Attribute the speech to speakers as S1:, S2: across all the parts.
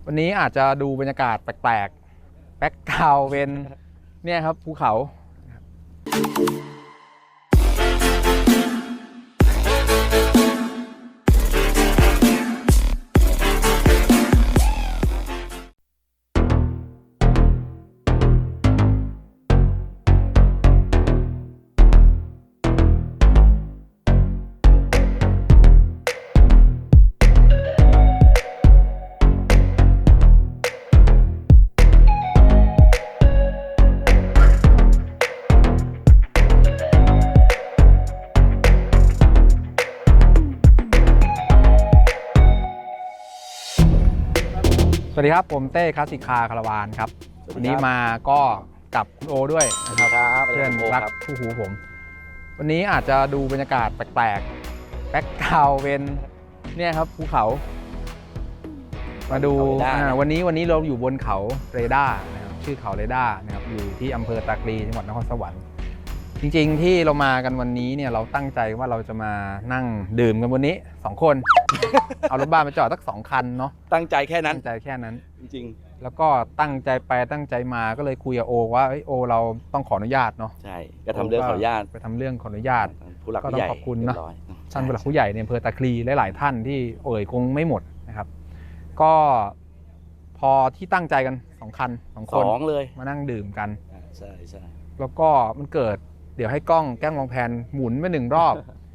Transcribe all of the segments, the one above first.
S1: วันนี้อาจจะดูบรรยากาศแปลกๆแบ็คกราวด์เป็นเนี่ยครับภูเขาสวัสดีครับผมเต้คลาสสิกคาร์คาราวานครับวันนี้มาก็กับคุณโอด้วยนะครับเพื่อนรักคู่หูผมวันนี้อาจจะดูบรรยากาศแปลกๆแบ็คกราวด์เป็นเนี่ยครับภูเขามาดูวันนี้เราอยู่บนเขาเรดาร์นะครับชื่อเขาเรดาร์นะครับอยู่ที่อำเภอตากลีจังหวัดนครสวรรค์จริงๆที่เรามากันวันนี้เนี่ยเราตั้งใจว่าเราจะมานั่งดื่มกันวันนี้2 คนเอารถบ้านมาจอดสัก2 คันเนาะ
S2: ตั้งใจแค่นั้น
S1: ตั้งใจแค่นั้น
S2: จริง
S1: แล้วก็ตั้งใจไปตั้งใจมาก็เลยคุยกับโอว่าโอเราต้องขออนุญาตเนาะ
S2: ใช่ก็ทำเรื่องขออนุญาต
S1: ไปทำเรื่องขออนุญาต
S2: ผู้หลักผู้ใหญ่
S1: ก็ต้องขอบคุณเนาะท่านผู้หลักผู้ใหญ่ในอำเภอตะคลีหลายๆท่านที่คงไม่หมดนะครับก็พอที่ตั้งใจกัน2 คัน2 คน
S2: เลย
S1: มานั่งดื่มกัน
S2: ใช่ใช่
S1: แล้วก็มันเกิดเดี๋ยวให้กล้องวางแผนหมุนไป1 รอบ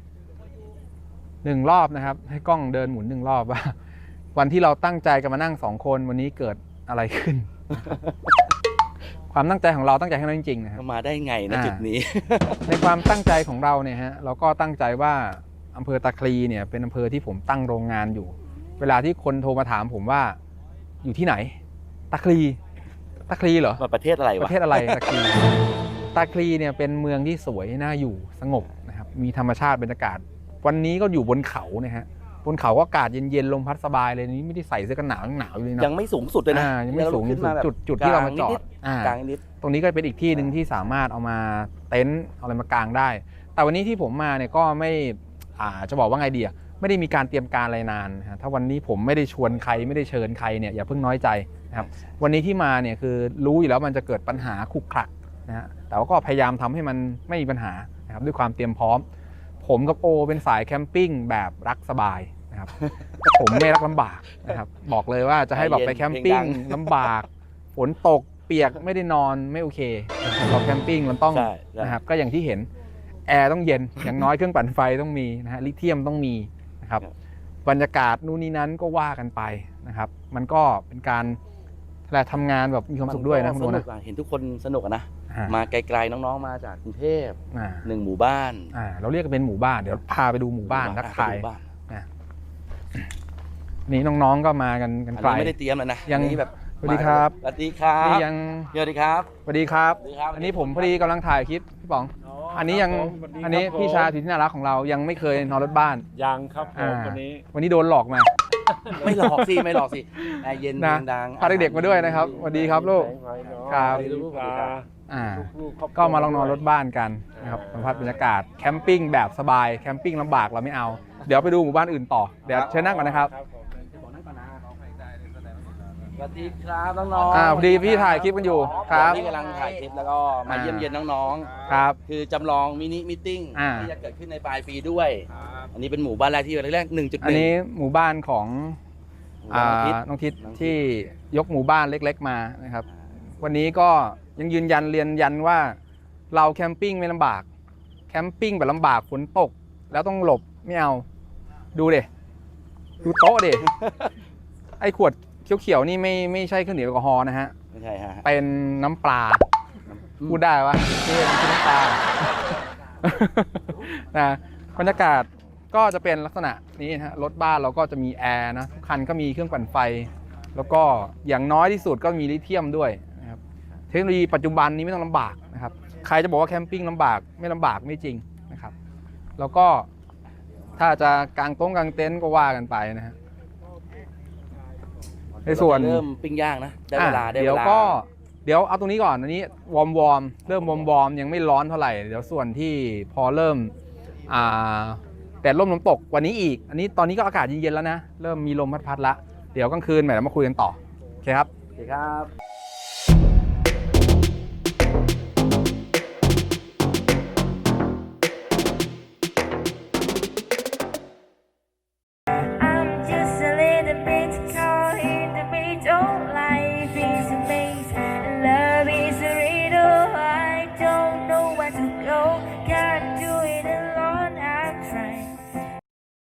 S1: 1 รอบนะครับให้กล้องเดินหมุน1 รอบว่าวันที่เราตั้งใจกันมานั่ง2 คนวันนี้เกิดอะไรขึ้น ความตั้งใจของเราตั้งใจให้เราจริงๆนะครับ
S2: มาได้ไงนะจุดนี้
S1: ในความตั้งใจของเราเนี่ยฮะเราก็ตั้งใจว่าอำเภอตะคลีเนี่ยเป็นอำเภอที่ผมตั้งโรงงานอยู่เวลาที่คนโทรมาถามผมว่าอยู่ที่ไหนตะคลีเหรอ
S2: ประเทศอะไรวะ
S1: ประเทศอะไรตะคลีเนี่ยเป็นเมืองที่สวยน่าอยู่สงบนะครับมีธรรมชาติบรรยากาศวันนี้ก็อยู่บนเขาเนี่ยฮะบนเขาก็อากาศเย็นๆลมพัดสบายเลยนี่ไม่ได้ใส่เสื้อกันหนาวอยู่เลยนะ
S2: ยังไม่สูงสุดเลยนะ
S1: ยังไม่สูงจุดที่เรามาจอด
S2: กลางนิด
S1: ตรงนี้ก็เป็นอีกที่หนึ่งที่สามารถเอามาเต็นท์เอาอะไรมากางได้แต่วันนี้ที่ผมมาเนี่ยก็ไม่จะบอกว่าไงดีไม่ได้มีการเตรียมการอะไรนานถ้าวันนี้ผมไม่ได้ชวนใครไม่ได้เชิญใครเนี่ยอย่าเพิ่งน้อยใจนะครับวันนี้ที่มาเนี่ยคือรู้อยู่แล้วมันจะเกิดปัญหาขุกขลักนะฮะแต่ว่าก็พยายามทำให้มันไม่มีปัญหานะครับด้วยความเตรียมพร้อมผมกับโอเป็นสายแคมปิ้งแบบรักสบายนะครับ ผมไม่รักลำบากนะครับบอกเลยว่าจะให้แบบไปแคมปิ้งลำบากฝนตกเปียกไม่ได้นอนไม่โอเคเราแคมปิ้งมันต้องนะครับก็อย่างที่เห็นแอร์ต้องเย็นอย่างน้อยเครื่องปั่นไฟต้องมีนะฮะลิเธียมต้องมีนะครับบรรยากาศนู่นนี่นั้นก็ว่ากันไปนะครับมันก็เป็นการทำงานแบบมีความสุขด้วยนะคุณโอนะ
S2: เห็นทุกคนสนุกนะมาไกลๆน้องๆมาจากกรุงเทพ1 หมู่บ้าน
S1: เราเรียกกันเป็นหมู่บ้านเดี๋ยวพาไปดูหมู่บ้านทักทายนี่น้องๆก็มากันไกล
S2: ไม่ได้เตรียมเลยนะ
S1: ยังแบบสวัสดีครับ
S2: สวัสดีครับ
S1: นี่ยัง
S2: สวัสดีครับ
S1: สวัสดีครับอันนี้ผมพอดีกำลังถ่ายคลิปพี่ป๋องอันนี้พี่ชาที่น่ารักของเรายังไม่เคยนอนรถบ้าน
S3: ยังครับ
S1: วันนี้โดนหลอกมา
S2: ไม่หลอกสิแอร์เย็นดัง
S1: พาเด็กๆมาด้วยนะครับสวัสดีครับลูกครับก็มาลองนอนรถบ้านกันนะครับสัมผัสบรรยากาศแคมปิ้งแบบสบายแคมปิ้งลำบากเราไม่เอาเดี๋ยวไปดูหมู่บ้านอื่นต่อเดี๋ยวเชิญนั่งก่อนนะครับ
S2: สวัสดีครับน้องๆ
S1: พอดีพี่ถ่ายคลิปกันอยู่ครับ
S2: พี่กำลังถ่ายคลิปแล้วก็มาเยี่ยมเยียนน้อง
S1: ๆครับ
S2: คือจำลองมินิมิทติ้งที่จะเกิดขึ้นในปลายปีด้วยอันนี้เป็นหมู่บ้านแรกที่แรก 1.1
S1: อันนี้หมู่บ้านของน้องทิศที่ยกหมู่บ้านเล็กๆมานะครับวันนี้ก็ยังยืนยันว่าเราแคมปิ้งไม่ลำบากแคมปิ้งแบบลำบากฝนตกแล้วต้องหลบไม่เอาดูโต๊ะไอ้ขวดเขียวๆนี่ไม่ใช่เครื่องดื่มแอลกอฮอล์นะฮะ
S2: ไม่ใช่ฮะ
S1: เป็นน้ำปลาพูดได้วะนี่เป็นน้ำปลานะบรรยากาศก็จะเป็นลักษณะนี้นะฮะรถบ้านเราก็จะมีแอร์นะทุกคันก็มีเครื่องปั่นไฟแล้วก็อย่างน้อยที่สุดก็มีลิเธียมด้วยนะครับเทคโนโลยีปัจจุบันนี้ไม่ต้องลำบากนะครับใครจะบอกว่าแคมปิ้งลำบากไม่ลำบากไม่จริงนะครับแล้วก็ถ้าจะกางเต็นท์ก็ว่ากันไปนะฮะในส่วน
S2: เริ่มปิ้งย่างนะได้เวลา
S1: เดี๋ยวเอาตรงนี้ก่อนอันนี้วอร์มเริ่มวอร์มยังไม่ร้อนเท่าไหร่เดี๋ยวส่วนที่พอเริ่มแต่ลมตกวันนี้อีกอันนี้ตอนนี้ก็อากาศเย็นๆแล้วนะเริ่มมีลมพัดละเดี๋ยวกลางคืนเรามาคุยกันต่อเคครับ
S2: โอเคครับ